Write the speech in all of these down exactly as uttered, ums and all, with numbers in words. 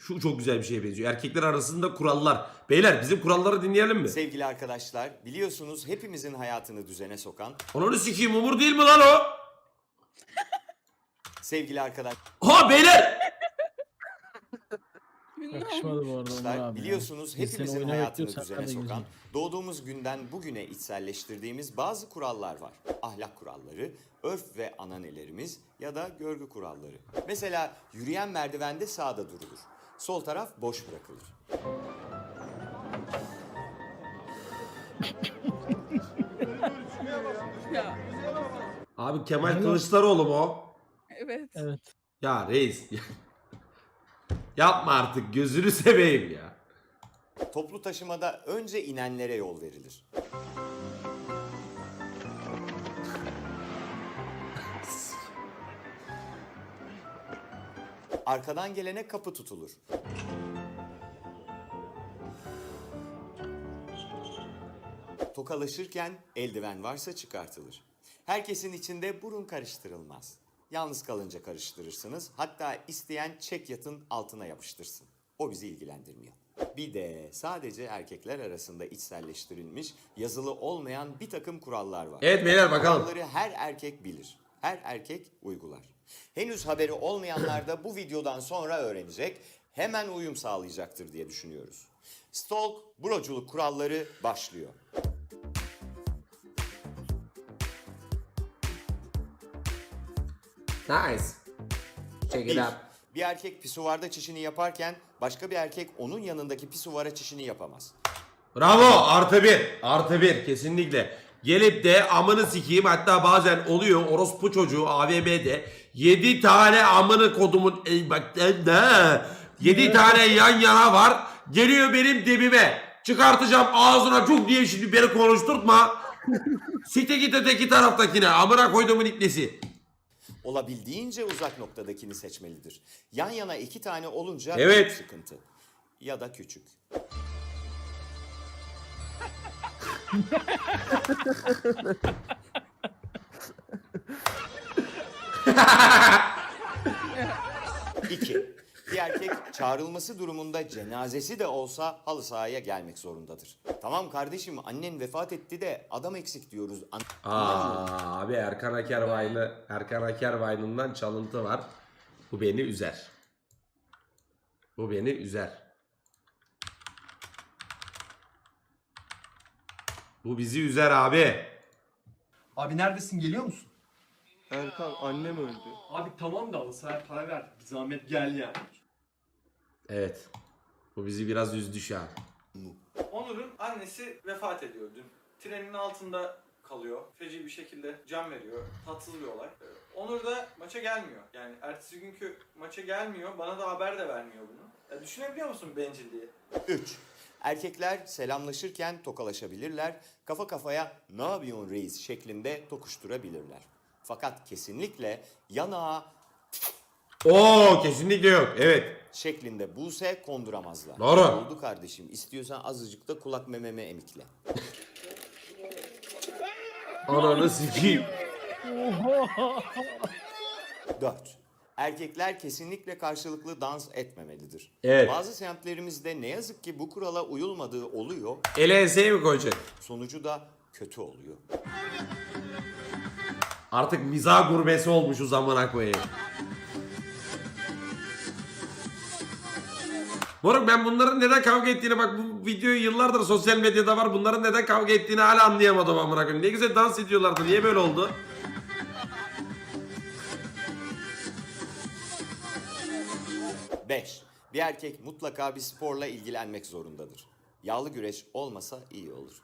Şu çok güzel bir şeye benziyor. Erkekler arasında kurallar. Beyler bizim kuralları dinleyelim mi? Sevgili arkadaşlar, biliyorsunuz hepimizin hayatını düzene sokan, Ananı sikeyim, Umur değil mi lan o? sevgili arkadaşlar, Ha beyler! Yakışmadı bu arada Onur abi. biliyorsunuz ya. Biz seni hepimizin oyuna hayatını bekliyoruz, düzene sen de sokan, güzel. doğduğumuz günden bugüne içselleştirdiğimiz bazı kurallar var. Ahlak kuralları, örf ve ananelerimiz ya da görgü kuralları. Mesela yürüyen merdivende sağda durulur. Sol taraf boş bırakılır. Ya Abi Kemal Kılıçdaroğlu mu o? evet. Evet. Ya reis. Yapma artık, gözünü seveyim ya. Toplu taşımada önce inenlere yol verilir. Arkadan gelene kapı tutulur. Tokalaşırken eldiven varsa çıkartılır. Herkesin içinde burun karıştırılmaz. Yalnız kalınca karıştırırsınız. Hatta isteyen çek yatın altına yapıştırsın. O bizi ilgilendirmiyor. Bir de sadece erkekler arasında içselleştirilmiş, yazılı olmayan bir takım kurallar var. Evet beyler, bakalım. Kuralları her erkek bilir. Her erkek uygular. Henüz haberi olmayanlar da bu videodan sonra öğrenecek, hemen uyum sağlayacaktır diye düşünüyoruz. Stalk, broculuk kuralları başlıyor. Nice. Check it Bir, out. bir erkek pisuvarda çişini yaparken başka bir erkek onun yanındaki pisuvara çişini yapamaz. Bravo, artı bir. Artı bir kesinlikle. Gelip de amını sikeyim, hatta bazen oluyor orospu çocuğu A V M'de yedi tane amını kodumun ey bak ne? yedi tane yan yana var. Geliyor benim dibime. Çıkartacağım ağzına çok diye, şimdi beni konuşturtma. Sikte git öteki taraftakine, amına koyduğumun iplesi. Olabildiğince uzak noktadakini seçmelidir. Yan yana iki tane olunca Evet. büyük sıkıntı. Ya da küçük. İki. Bir erkek çağrılması durumunda cenazesi de olsa halı sahaya gelmek zorundadır. Tamam kardeşim, annen vefat etti de adam eksik diyoruz. An- Aa, abi Erkan Akervaylı, Erkan Akervaylı'ndan çalıntı var. Bu beni üzer. Bu beni üzer. Bu bizi üzer abi. Abi neredesin, geliyor musun? Erkan annem öldü. Abi tamam da halı sahaya para ver. Bir zahmet gel yani. Evet. Bu bizi biraz üzdü şu an. Onur'un annesi vefat ediyor dün. Trenin altında kalıyor. Feci bir şekilde can veriyor. Tatsız bir olay. Ee, Onur da maça gelmiyor. Yani ertesi günkü maça gelmiyor. Bana da haber de vermiyor bunu. Ya düşünebiliyor musun bencilliği? Üç. Erkekler selamlaşırken tokalaşabilirler. Kafa kafaya "ne yapıyorsun reis" şeklinde tokuşturabilirler. Fakat kesinlikle yanağa Oo, kesinlikle yok. Evet. şeklinde buse konduramazlar. Doğru. Oldu kardeşim. İstiyorsan azıcık da kulak mememe emikle. Ananı sikeyim. Dört. Erkekler kesinlikle karşılıklı dans etmemelidir. Evet. Bazı semtlerimizde ne yazık ki bu kurala uyulmadığı oluyor. Ele enseye mi koyacak? Sonucu da kötü oluyor. Artık mizah gurbesi olmuş o zamana koyayım. Moruk, ben bunların neden kavga ettiğini, bak bu videoyu yıllardır sosyal medyada var. Bunların neden kavga ettiğini hala anlayamadım amına koyayım. Ne güzel dans ediyorlardı. Niye böyle oldu? Beş. Bir erkek mutlaka bir sporla ilgilenmek zorundadır. Yağlı güreş olmasa iyi olur.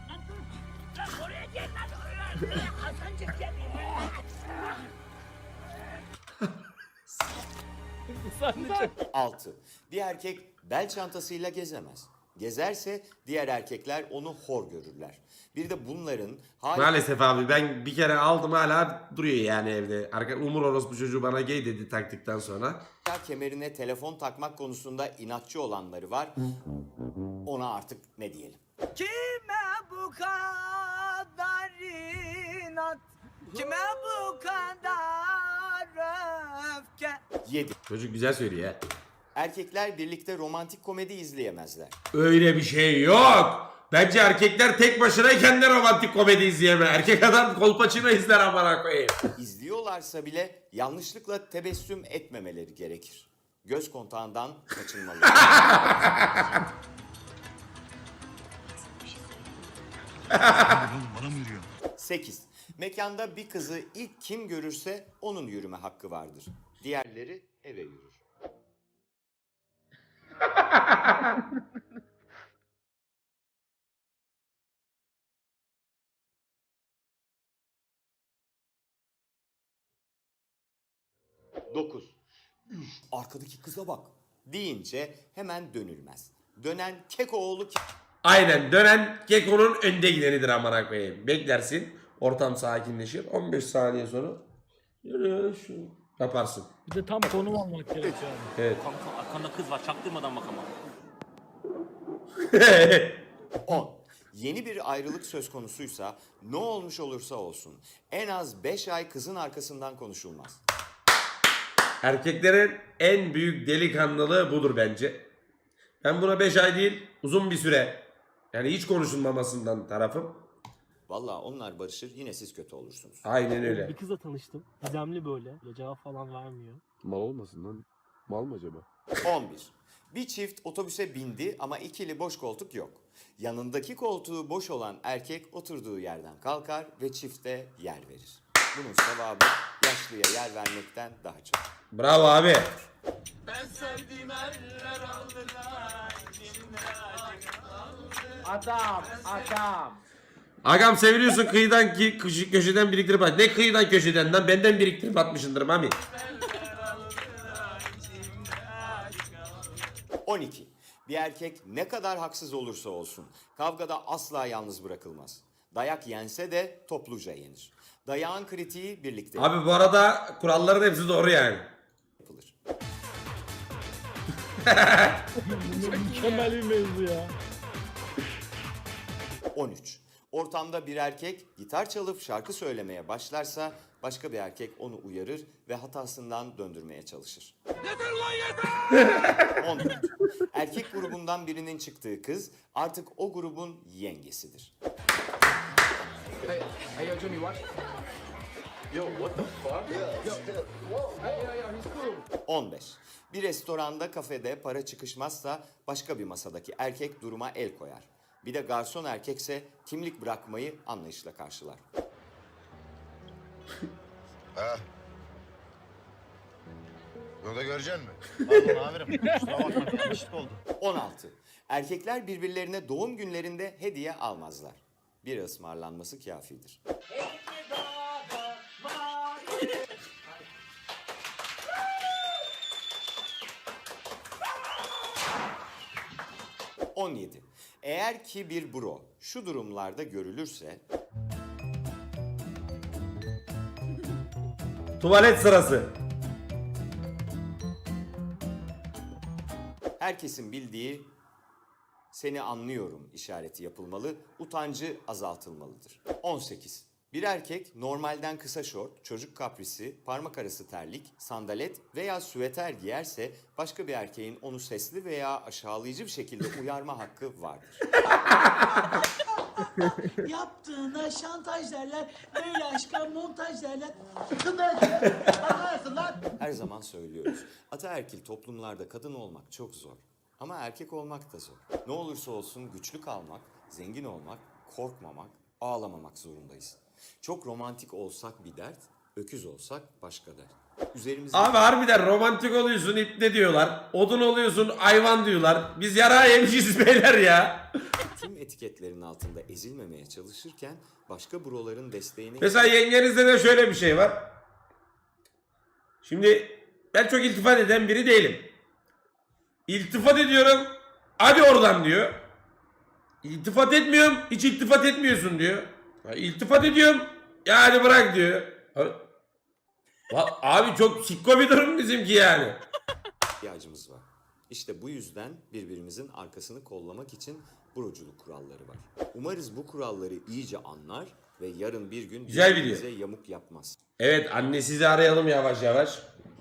Altı. Bir erkek bel çantasıyla gezemez. Gezerse diğer erkekler onu hor görürler. Bir de bunların hala Maalesef abi, ben bir kere aldım, hala duruyor yani evde. Arka, Umur orospu çocuğu bana gay dedi taktıktan sonra. kemerine telefon takmak konusunda inatçı olanları var. Ona artık ne diyelim? Kime bu kadar inat? Kime bu kadar öfke? Yedi. Çocuk güzel söylüyor ya. Erkekler birlikte romantik komedi izleyemezler. Öyle bir şey yok. Bence erkekler tek başınayken de romantik komedi izleyemez. Erkek adam Kolpaçino izler amına koyayım. İzliyorlarsa bile yanlışlıkla tebessüm etmemeleri gerekir. Göz kontağından kaçınmalı. sekiz. Mekanda bir kızı ilk kim görürse onun yürüme hakkı vardır. Diğerleri eve yürür. dokuz. Üf, arkadaki kıza bak deyince hemen dönülmez. Dönen Kekoğlu ki... Aynen, dönen Keko'nun önde gidenidir amına koyayım. Beklersin, ortam sakinleşir. on beş saniye sonra yürü şu yaparsın. Bir de tam konum almak gerekiyor abi. Evet. Kanka arkanda kız var çaktırmadan bak ama. on. Yeni bir ayrılık söz konusuysa ne olmuş olursa olsun en az beş ay kızın arkasından konuşulmaz. Erkeklerin en büyük delikanlılığı budur bence. Ben buna beş ay değil, uzun bir süre, yani hiç konuşulmamasından tarafım. Vallahi onlar barışır yine siz kötü olursunuz. Aynen öyle. Bir kızla tanıştım. Gizemli böyle. Ya cevap falan vermiyor. Mal olmasın lan. Mal mı acaba? on bir. Bir çift otobüse bindi ama ikili boş koltuk yok. Yanındaki koltuğu boş olan erkek oturduğu yerden kalkar ve çifte yer verir. Bunun sevabı yaşlıya yer vermekten daha çok. Bravo abi. Adam, adam. Agam seviliyorsun kıyıdan ki köşe- köşeden biriktirip at. Ne kıyıdan köşeden lan, benden biriktirip atmışındır mami. on iki. Bir erkek ne kadar haksız olursa olsun kavgada asla yalnız bırakılmaz. Dayak yense de topluca yenir. Dayağın kritiği birlikte Abi bu arada kuralların hepsi doğru yani. yapılır. Mükemmel bir mevzu ya. on üç. Ortamda bir erkek gitar çalıp şarkı söylemeye başlarsa başka bir erkek onu uyarır ve hatasından döndürmeye çalışır. Yeter lan yeter! on dört. Erkek grubundan birinin çıktığı kız artık o grubun yengesidir. on beş. Bir restoranda, kafede para çıkışmazsa başka bir masadaki erkek duruma el koyar. Bir de garson erkekse kimlik bırakmayı anlayışla karşılar. Ha. Bunu da göreceksin mi? Pardon amirim. Kusura bakma yanlışlık oldu. on altı. Erkekler birbirlerine doğum günlerinde hediye almazlar. Bir ısmarlanması kafidir. on yedi. Eğer ki bir bro şu durumlarda görülürse Tuvalet sırası. herkesin bildiği seni anlıyorum işareti yapılmalı, utancı azaltılmalıdır. on sekiz. Bir erkek normalden kısa şort, çocuk kaprisi, parmak arası terlik, sandalet veya süveter giyerse başka bir erkeğin onu sesli veya aşağılayıcı bir şekilde uyarma hakkı vardır. Yaptığına şantaj derler. Böyle aşka montaj derler. Her zaman söylüyoruz. Ataerkil toplumlarda kadın olmak çok zor. Ama erkek olmak da zor. Ne olursa olsun güçlü kalmak, zengin olmak, korkmamak, ağlamamak zorundayız. Çok romantik olsak bir dert, öküz olsak başka dert. Üzerimizde... Abi harbiden romantik oluyorsun ipne diyorlar. Odun oluyorsun hayvan diyorlar. Biz yara yemişiz beyler ya. Tüm etiketlerin altında ezilmemeye çalışırken başka broların desteğini... Mesela yengenizde de şöyle bir şey var. Şimdi ben çok iltifat eden biri değilim. İltifat ediyorum. Hadi oradan diyor. İltifat etmiyorum. Hiç iltifat etmiyorsun diyor. Ya, İltifat ediyorum. Ya hadi bırak diyor. Abi, Va- abi çok sikko bir durum bizimki yani. ihtiyacımız var. İşte bu yüzden birbirimizin arkasını kollamak için broculuk kuralları var. Umarız bu kuralları iyice anlar ve yarın bir gün Güzel video. birbirimize yamuk yapmaz. Evet anne sizi arayalım yavaş yavaş.